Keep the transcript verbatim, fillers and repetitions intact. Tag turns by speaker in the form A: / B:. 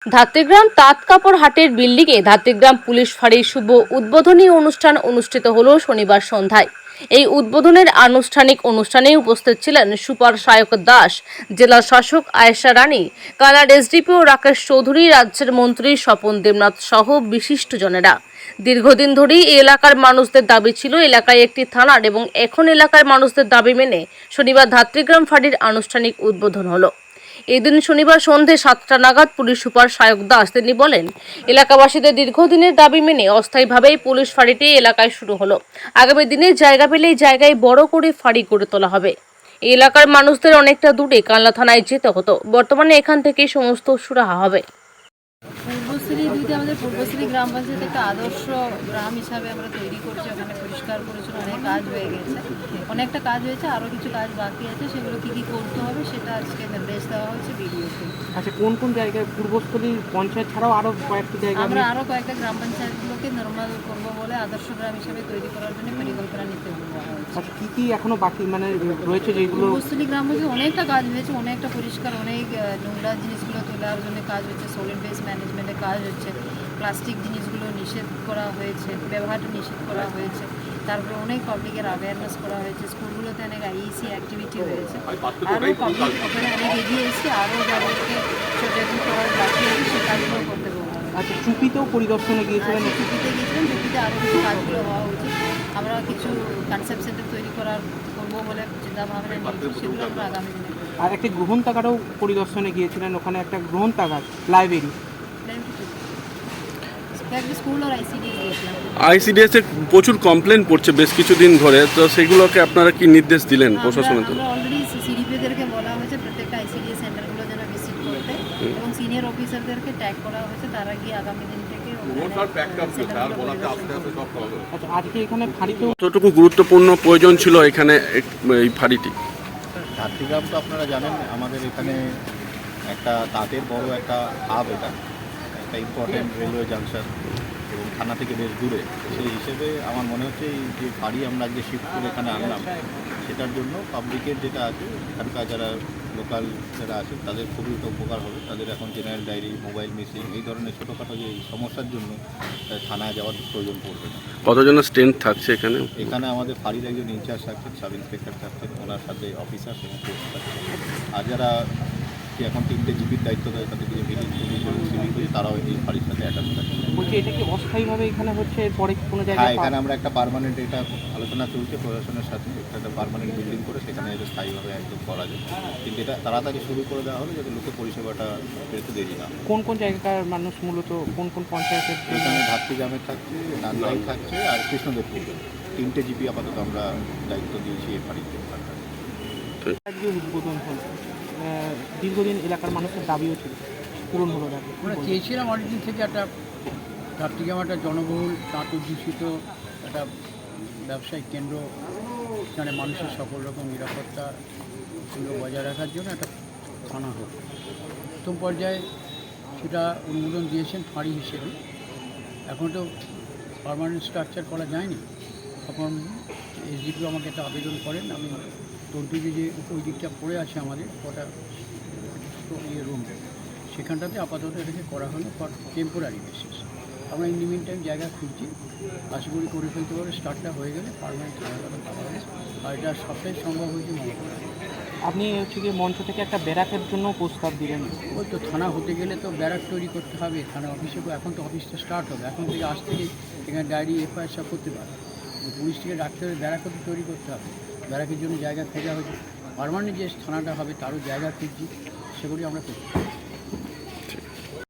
A: ধাত্রীগ্রাম তাঁত কাপড় হাটের বিল্ডিংয়ে ধাত্রীগ্রাম পুলিশ ফাঁড়ির শুভ উদ্বোধনী অনুষ্ঠান অনুষ্ঠিত হল শনিবার সন্ধ্যায়। এই উদ্বোধনের আনুষ্ঠানিক অনুষ্ঠানে উপস্থিত ছিলেন সুপার সায়ক দাস, জেলা শাসক আয়েশা রানী, কালার এসডিপিও রাকেশ চৌধুরী, রাজ্যের মন্ত্রী স্বপন দেবনাথ সহ বিশিষ্টজনেরা। দীর্ঘদিন ধরেই এই এলাকার মানুষদের দাবি ছিল এলাকায় একটি থানার, এবং এখন এলাকার মানুষদের দাবি মেনে শনিবার ধাত্রীগ্রাম ফাঁড়ির আনুষ্ঠানিক উদ্বোধন হলো। এদিন শনিবার সন্ধে সাতটা নাগাদ পুলিশ সুপার সায়ক দাস তিনি বলেন, এলাকাবাসীদের দীর্ঘদিনের দাবি মেনে অস্থায়ীভাবেই পুলিশ ফাঁড়িটি এলাকায় শুরু হলো। আগামী দিনে জায়গা পেলেই জায়গায় বড় করে ফাঁড়ি গড়ে তোলা হবে। এই এলাকার মানুষদের অনেকটা দূরে কানলা থানায় যেতে হতো, বর্তমানে এখান থেকেই সমস্ত সুরাহা হবে।
B: পূর্বশ্রী দুইটা আমাদের পূর্বশ্রী গ্রাম পঞ্চায়েত একটা আদর্শ গ্রাম হিসাবে আমরা তৈরি করছি। ওখানে পরিষ্কার পরিচ্ছন্ন অনেক কাজ হয়ে গেছে, অনেকটা কাজ হয়েছে, আরও কিছু কাজ বাকি আছে। সেগুলো কী কী করতে হবে সেটা আজকে নির্দেশ দেওয়া হয়েছে বিডিওকে।
C: আচ্ছা, কোন কোন জায়গায় পূর্বস্থলী পঞ্চায়েত ছাড়াও আরও কয়েকটি জায়গায়
B: আমরা আরও কয়েকটা গ্রাম পঞ্চায়েতগুলোকে নর্মাল করবো বলে আদর্শ গ্রাম হিসাবে তৈরি করার জন্য পরিকল্পনা নিতে বলা হয়েছে।
C: আচ্ছা, কী কী এখনও বাকি মানে রয়েছে যেগুলো?
B: পূর্বস্থলী গ্রাম হচ্ছে অনেকটা কাজ হয়েছে, অনেকটা পরিষ্কার, অনেক নোংরা জিনিসগুলো তোলার জন্য কাজ হচ্ছে, সলিড ওয়েস্ট ম্যানেজমেন্টের কাজ হচ্ছে, প্লাস্টিক জিনিসগুলো নিষেধ করা হয়েছে, ব্যবহারটা নিষেধ করা হয়েছে। তারপরে অনেক পাবলিকের অ্যাওয়ারনেস করা হয়েছে, স্কুলগুলোতে অনেক আইইসি অ্যাক্টিভিটি হয়েছে। আরও পাবলিক ওখানে অনেক এগিয়ে এসেছে, আরও যাদেরকে সচেতন করার বাকি আছে সে কাজগুলো করতে পারবো।
C: আচ্ছা, চুপিতেও পরিদর্শনে গিয়েছিলেন?
B: চুপিতে গিয়েছিলেন, চুপিতে আরও কিছু কাজগুলো হওয়া উচিত। আমরা কিছু কনসেপ্ট সেন্টার তৈরি করার করবো বলে চিন্তা ভাবনা নিয়েছি, সেগুলো আমরা আগামী দিনে।
C: আর একটি গ্রহণতাগারও পরিদর্শনে গিয়েছিলেন, ওখানে একটা গ্রহণতাগার লাইব্রেরি।
D: আইসিডিএস এ প্রচুর কমপ্লেন পড়ছে বেশ কিছুদিন ধরে, তো সেগুলোকে আপনারা কি নির্দেশ দিলেন প্রশাসনের?
B: আমরা অলরেডি সিডিপিদেরকে বলা হয়েছে প্রত্যেকটা আইসিডিএস সেন্টারগুলো যেন ভিজিট করতে, এবং সিনিয়র অফিসারদেরকে ট্যাগ করা হয়েছে, তারা গিয়ে আগামী দিন থেকে।
C: আচ্ছা, আজকে এখানে ফাঁড়িতেও
D: কতটুকু গুরুত্বপূর্ণ প্রয়োজন ছিল এখানে এই ফাঁড়িটি?
E: ধাত্রীগ্রাম তো আপনারা জানেন আমাদের এখানে একটা তাঁতের বড় একটা হাব, এটা একটা ইম্পর্টেন্ট রেলওয়ে জাংশন এবং থানা থেকে বেশ দূরে। সেই হিসেবে আমার মনে হচ্ছে এই যে বাড়ি আমরা যে শিফট করে এখানে আনলাম, সেটার জন্য পাবলিকের যেটা আছে এখানকার যারা লোকাল যারা আছে তাদের খুবই উপকার হবে। তাদের এখন জেনারেল ডায়েরি, মোবাইল মিসিং, এই ধরনের ছোটোখাটো যে সমস্যার জন্য থানায় যাওয়ার প্রয়োজন পড়বে না।
D: কতজনের স্ট্রেংথ থাকছে এখানে?
E: এখানে আমাদের ফাঁড়ির একজন ইনচার্জ থাকছেন, সাব ইন্সপেক্টর থাকছেন, ওনার সাথে অফিসার এবং পোস্ট থাকছে। আর যারা এখন তিনটে জিপির দায়িত্ব দেয় তাদেরকে যে ভিলেজ পুলিশ এবং সিভিক পুলিশ, তারাও এই ফাঁড়ির সাথে অ্যাটাচ থাকে।
C: বলছি, এটা কি অস্থায়ীভাবে এখানে হচ্ছে, এরপরে কোনো জায়গায়?
E: হ্যাঁ, এখানে আমরা একটা পার্মানেন্ট, এটা আলোচনা চলছে প্রশাসনের সাথে, একটা পার্মানেন্ট বিল্ডিং করে সেখানে এটা স্থায়ীভাবে একদম করা যায়। কিন্তু এটা তাড়াতাড়ি শুরু করে দেওয়া হলে যাতে লোকের পরিষেবাটা পেতে দেরি না।
C: কোন কোন জায়গাকার মানুষ মূলত কোন কোন পঞ্চায়েতের?
E: এখানে ধাত্রীগ্রামে থাকছে, নান্দাই থাকছে আর কৃষ্ণদেবপুর, তিনটে জিপি আপাতত আমরা দায়িত্ব দিয়েছি এই ফাঁড়িতে।
C: আজকে উদ্বোধন হলো, দীর্ঘদিন এলাকার মানুষের দাবিও ছিল, পূরণ হলো।
F: আমরা চেয়েছিলাম অনেকদিন থেকে একটা ধাত্রীগ্রাম একটা জনবহুল তাঁত অধ্যুষিত একটা ব্যবসায়িক কেন্দ্র, এখানে মানুষের সকল রকম নিরাপত্তা সুযোগ বজায় রাখার জন্য একটা থানা হোক। প্রথম পর্যায়ে সেটা অনুমোদন দিয়েছেন ফাঁড়ি হিসেবে। এখন তো পার্মানেন্ট স্ট্রাকচার করা যায়নি। তখন এসডিপিও আমাকে একটা আবেদন করেন, আমি তন্তুজি যে ওই দিকটা পড়ে আছে আমাদের ওটা ইয়ে রুম, সেখানটাতে আপাতত এটাকে করা হলো ফর টেম্পোরারি বেসিস। আমরা ইন মিন টাইম জায়গা খুঁজছি, আশা করি করে ফেলতে পারবে। স্টার্টটা হয়ে গেলে পারমানেন্ট হয়ে গেলে ভালো হবে। আর এটা সবটাই সম্ভব হয়েছে মনে করেন।
C: আপনি হচ্ছে গিয়ে মঞ্চ থেকে একটা ব্যারাকের জন্য প্রস্তাব দিলেন।
F: ওই তো থানা হতে গেলে তো ব্যারাক তৈরি করতে হবে, থানা অফিসে। এখন তো অফিসটা স্টার্ট হবে, এখন থেকে আজ থেকে এখানে ডায়েরি এফআইআর সব করতে পারবে। পুলিশ থেকে ডাকতে হবে, ব্যারাকও তো তৈরি করতে হবে। ব্যারাকের জন্য জায়গা খোঁজা হয়েছে, পার্মানেন্ট যে থানাটা হবে তারও জায়গা খুঁজছি, সেগুলি আমরা করছি।